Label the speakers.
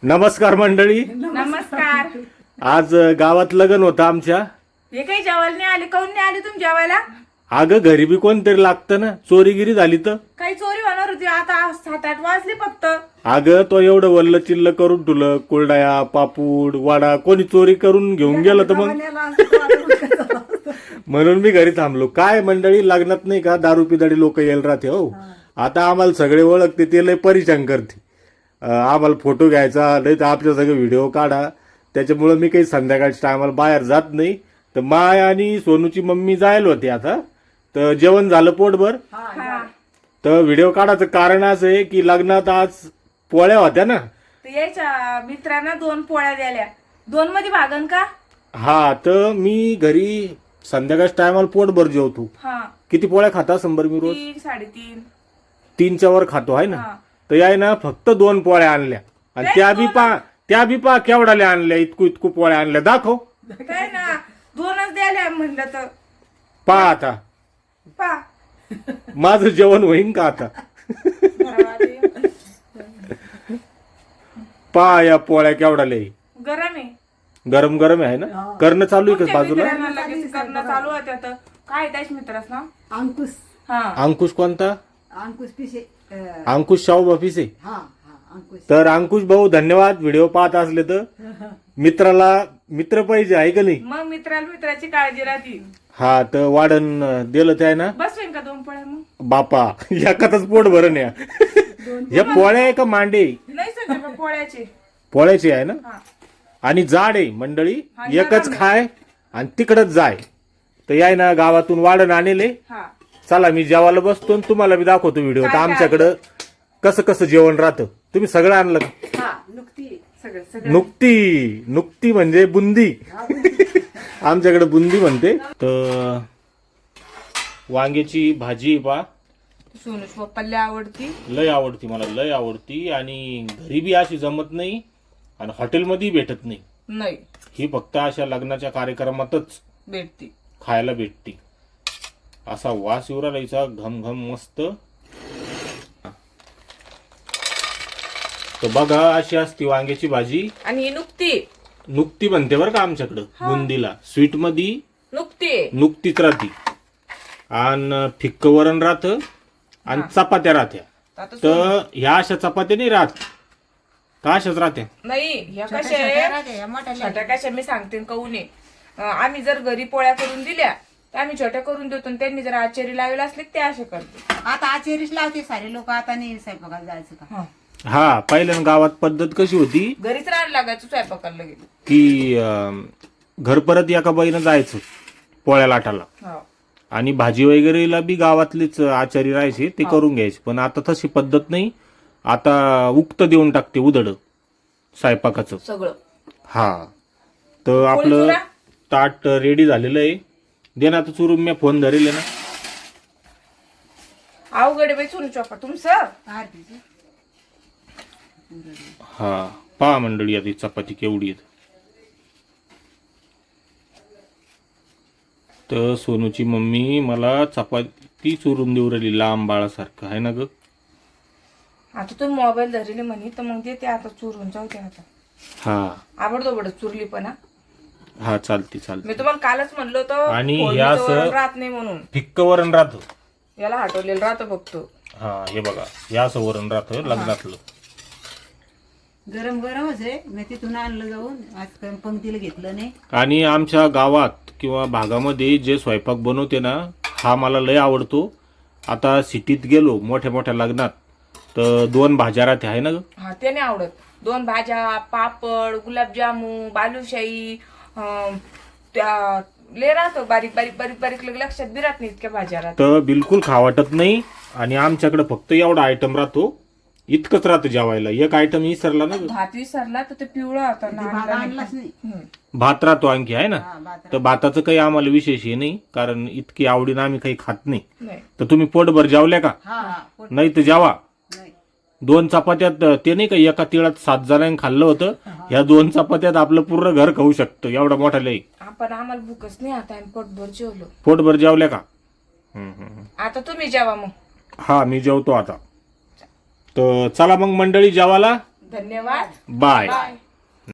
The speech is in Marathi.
Speaker 1: नमस्कार मंडळी.
Speaker 2: नमस्कार.
Speaker 1: आज गावात लग्न होतं आमच्या.
Speaker 2: हे काही जेवायला नाही आले? काऊन नाही आले तुम्ही जेवायला?
Speaker 1: अगं घरी बी कोणतरी लागतं ना. चोरीगिरी झाली तर
Speaker 2: काही चोरी होणार होती. आता 7-8 वाजले फक्त.
Speaker 1: अगं तो एवढं वल्ल चिल्ल करून ठुलं, कुरडया पापूड वडा कोणी चोरी करून घेऊन गेलं तर मग म्हणून मी घरी थांबलो. काय मंडळी, लग्नात नाही का दारू पिदाडी लोक यायला राहते. हो आता आम्हाला सगळे ओळखते, ते लय परेशान करते. आम्हाला फोटो घ्यायचा नाही तर आपल्या सगळे व्हिडिओ काढा. त्याच्यामुळे मी काही संध्याकाळच्या टायमाला बाहेर जात नाही. तर माय आणि सोनूची मम्मी जायला होते. आता तर जेवण झालं पोटभर. तर व्हिडिओ काढायचं कारण असं आहे की लग्नात आज पोळ्या होत्या ना.
Speaker 2: तर यायच्या मित्रांना 2 पोळ्या द्याल्या. 2 मध्ये भागन का?
Speaker 1: हा, तर मी घरी संध्याकाळच्या टायमाला पोटभर जेवतो.
Speaker 2: हा,
Speaker 1: किती पोळ्या खाता संभर मी रोज?
Speaker 2: 3-3.5.
Speaker 1: 3च्या वर खातो आहे ना.
Speaker 2: हा.
Speaker 1: तर याय ना फक्त 2 पोळ्या आणल्या आणि त्या बी पा केवढाल्या आणल्या. इतकू पोळ्या आणल्या. दाखव.
Speaker 2: काय ना 2च द्याल्या म्हणलं तर
Speaker 1: पा आता
Speaker 2: पा.
Speaker 1: माझं जेवण होईन का आता? पा या पोळ्या केवढाल्या.
Speaker 2: गरम आहे.
Speaker 1: गरम गरम आहे ना. करणं चालू आहे का बाजूला?
Speaker 2: मित्रांना लगेच करणं चालू होतं. आता काय त्याच मित्रास ना?
Speaker 3: अंकुश.
Speaker 2: हा,
Speaker 1: अंकुश कोणता?
Speaker 3: अंकुश पिसे.
Speaker 1: अंकुश शाहू ऑफिस आहे.
Speaker 3: हा अंकुश.
Speaker 1: तर अंकुश भाऊ धन्यवाद. व्हिडिओ पाहत असले तर मित्राला मित्र पाहिजे आहे का नाही.
Speaker 2: मग मित्राची काळजी राहते.
Speaker 1: हा, तर वाढण दिलं ते आहे ना.
Speaker 2: बसवेन का 2 पोळ्या मग?
Speaker 1: बापा एकातच पोट भरण या. या पोळ्या आहे का मांडे?
Speaker 2: नाही सर पोळ्याचे.
Speaker 1: पोळ्याची आहे ना.
Speaker 2: हा.
Speaker 1: आणि जाड आहे मंडळी.
Speaker 2: हा,
Speaker 1: एकच
Speaker 2: नरम
Speaker 1: खाय आणि तिकडच जाय. तर याय ना गावातून वाढण आणले.
Speaker 2: हा,
Speaker 1: चला मी जेवायला बसतो आणि तुम्हाला बी दाखवतो व्हिडिओ. तर
Speaker 2: काय
Speaker 1: आमच्याकडं कसं कसं जेवण राहतं. तुम्ही सगळं आणलं का?
Speaker 3: हा नुकती.
Speaker 2: सगळं
Speaker 1: नुकती म्हणजे बुंदी. आमच्याकडे बुंदी म्हणते. तर वांग्याची भाजी पा
Speaker 2: सोनूच पप्पाला आवडती.
Speaker 1: लय आवडती, मला लय आवडती. आणि घरी बी अशी जमत नाही आणि हॉटेलमध्ये भेटत नाही.
Speaker 2: नाही
Speaker 1: ही फक्त अशा लग्नाच्या कार्यक्रमातच
Speaker 2: भेटती.
Speaker 1: खायला भेटती. असा वास येऊ राहिला घम घम मस्त. तर बघा अशी असती वांग्याची भाजी.
Speaker 2: आणि ही
Speaker 1: नुकती म्हणते बरं का आमच्याकडं. बुंदीला स्वीट मध्ये नुकतीच राहती. आणि फिक्क वरण राहतं आणि चपात्या राहत्या. तर ह्या अशा चपात्या नाही राहत का? अशाच राहत्या.
Speaker 2: नाही ह्या कशा छोट्या कशा मी सांगते काऊन. आम्ही जर घरी पोळ्या करून दिल्या तर आम्ही छोट्या करून देतो. आणि त्यांनी जर आचारी लावले असले ते असे करतो.
Speaker 3: आता आचेरीच लावते सारे लोक. आता नाही स्वयंपाकाला जायचं का?
Speaker 1: हा, पहिल्या गावात पद्धत कशी होती
Speaker 2: घरीच राहायला लागायचं स्वयंपाकाला गेलो
Speaker 1: की घर परत एका बाईनं जायचं पोळ्या लाटाला. आणि भाजी वगैरेला बी गावातलीच आचारी राहायचे, ते करून घ्यायचे. पण आता तशी पद्धत नाही. आता उक्त देऊन टाकते उदड स्वयंपाकाचं
Speaker 2: सगळं.
Speaker 1: हा, तर आपलं
Speaker 2: चुरा?
Speaker 1: ताट रेडी झालेलं आहे. दे ना आता चुरून. मी फोन धरेल ना.
Speaker 2: अवघड बाई सोनू चोपा तुमचं.
Speaker 3: आरतीचं.
Speaker 1: हा, पहा मंडळी आता ही चपाती केवढी आहे. तर सोनूची मम्मी मला चपाती चुरून देऊ राहिली लांब बाळासारखं आहे ना ग.
Speaker 2: आता तुम्ही मोबाईल धरले म्हणे तर मग ते आता चुरून जाऊ दे आता.
Speaker 1: हा
Speaker 2: आवडतो चुरली पण.
Speaker 1: हा, चालती चालती.
Speaker 2: मी तुम्हाला कालच म्हणलो होतं
Speaker 1: आणि
Speaker 2: फोडणीचं
Speaker 1: हे असं
Speaker 2: वरण राहत नाही म्हणून.
Speaker 1: फिक्क वरण राहतं.
Speaker 2: याला हटवलेलं राहतं फक्त.
Speaker 1: हा, हे बघा हे असं वरण राहतं लग्नातलं.
Speaker 3: गरम गरमच आहे. मी तिथून आणलं जाऊन. आज पंक्तीला घेतलं नाही.
Speaker 1: आणि आमच्या गावात किंवा भागामध्ये जे स्वयंपाक बनवते ना, हा मला लय आवडतो. आता सिटीत गेलो मोठ्या मोठ्या लग्नात तर 2 भाज्या राहते आहे ना ग.
Speaker 2: हा, ते नाही आवडत. 2 भाज्या, पापड, गुलाबजामू, बालुशाही, त्या ले राहतो बारीक बारीक बारीक बारीक लक्षात बी राहत नाही इतक्या भाज्या राहतात.
Speaker 1: तर बिलकुल खा वाटत नाही. आणि आमच्याकडे फक्त एवढा आयटम राहतो. इतकंच राहतं जेवायला. एक आयटम विसरला ना.
Speaker 2: भात विसरला तर ते पिवळा होता ना.
Speaker 3: भात आणलाच नाही.
Speaker 1: भात राहतो आणखी आहे ना.
Speaker 3: हा, भात
Speaker 1: तर भाताचं काही आम्हाला विशेष हे नाही, कारण इतकी आवडीनं आम्ही काही खात नाही.
Speaker 2: नाही.
Speaker 1: तर तुम्ही पोटभर जेवल्या का?
Speaker 3: हा हा पोट
Speaker 1: नाही तर जेवा.
Speaker 3: नाही.
Speaker 1: 2 चपात्यात ते नाही का एका तिळात 7 जणांनी खाल्लं होतं. ह्या 2 चपात्यात आपलं पूर्ण घर खाऊ शकतं. एवढा मोठा लई.
Speaker 2: आपण आम्हाला भूकच नाही. आता आम्ही पोटभर जेवलो.
Speaker 1: पोटभर जेवल्या का?
Speaker 2: आता तुम्ही जेवा मग.
Speaker 1: हा, मी जेवतो आता. तर चला मग मंडळी जेवायला.
Speaker 2: धन्यवाद.
Speaker 1: बाय.
Speaker 2: बाय.